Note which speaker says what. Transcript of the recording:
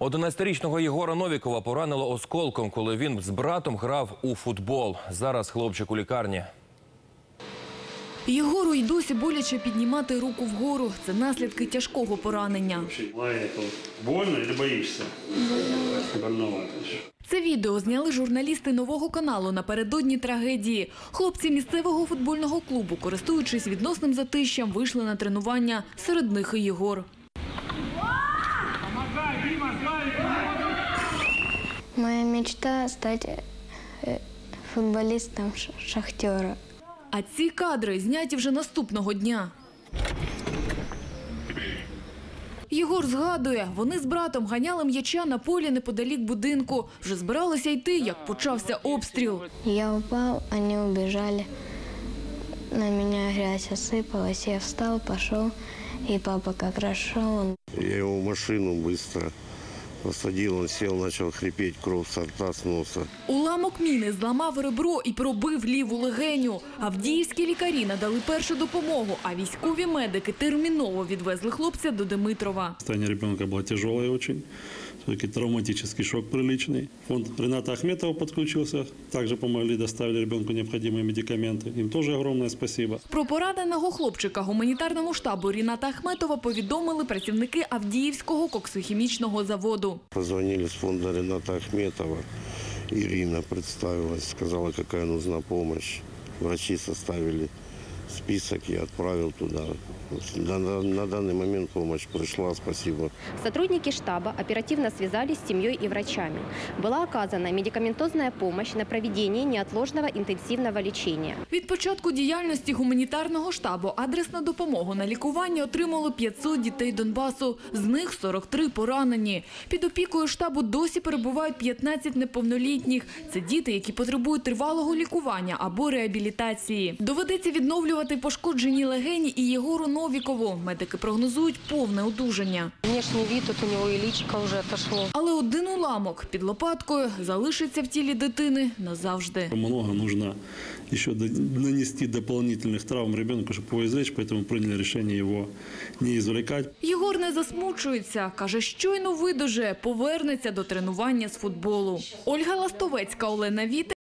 Speaker 1: 11-річного Єгора Новікова поранило осколком, коли він з братом грав у футбол. Зараз хлопчик у лікарні.
Speaker 2: Єгору й досі боляче піднімати руку вгору. Це наслідки тяжкого поранення.
Speaker 3: Больно чи боїшся? Больновато.
Speaker 2: Це відео зняли журналісти Нового каналу напередодні трагедії. Хлопці місцевого футбольного клубу, користуючись відносним затищем, вийшли на тренування. Серед них і Єгор.
Speaker 4: Моя мечта – стать футболистом «Шахтера».
Speaker 2: А ці кадри зняті вже наступного дня. Єгор згадує, вони з братом ганяли м'яча на полі неподалік будинку. Вже збиралися йти, як почався обстріл.
Speaker 4: Я упал, они убежали. На меня грязь осыпалась. Я встал, пошел, и папа как раз шел.
Speaker 5: Я его в машину быстро посадил, он сел, начал хрипеть, кровь со рта, с носа.
Speaker 2: Уламок міни зламав ребро і пробив ліву легеню. Авдіївські лікарі надали першу допомогу, а військові медики терміново відвезли хлопця до Димитрова.
Speaker 3: Состояние ребенка было тяжелое очень. Все-таки травматический шок приличный. Фонд Рената Ахметова подключился. Также помогли, доставили ребенку необходимые медикаменты. Им тоже огромное спасибо.
Speaker 2: Про пораненого хлопчика гуманітарному штабу Рената Ахметова повідомили працівники Авдіївського коксохімічного заводу.
Speaker 5: Позвонили с фонда Рената Ахметова. Ирина представилась, сказала, какая нужна помощь. Врачи составили список, я отправил туда. На данный момент помощь пришла, спасибо.
Speaker 6: Сотрудники штаба оперативно связались с семьей и врачами. Была оказана медикаментозная помощь на проведение неотложного интенсивного лечения.
Speaker 2: Від початку діяльності гуманітарного штабу адресну допомогу на лікування отримали 500 дітей Донбасу. З них 43 поранені. Під опікою штабу досі перебувають 15 неповнолітніх. Це діти, які потребують тривалого лікування або реабілітації. Доведеться відновлювати пошкоджені легені і Єгору Новікову. Медики прогнозують повне одужання.
Speaker 7: Внешний вид, тут у него и личико уже отошло.
Speaker 2: Але один уламок під лопаткою залишиться в тілі дитини назавжди.
Speaker 3: Много нужно еще нанести дополнительных травм ребенку, чтобы его извлечь, поэтому приняли решение его не извлекать.
Speaker 2: Єгор не засмучується. Каже, щойно видужає, повернеться до тренування з футболу. Ольга Ластовецька, Олена Віта.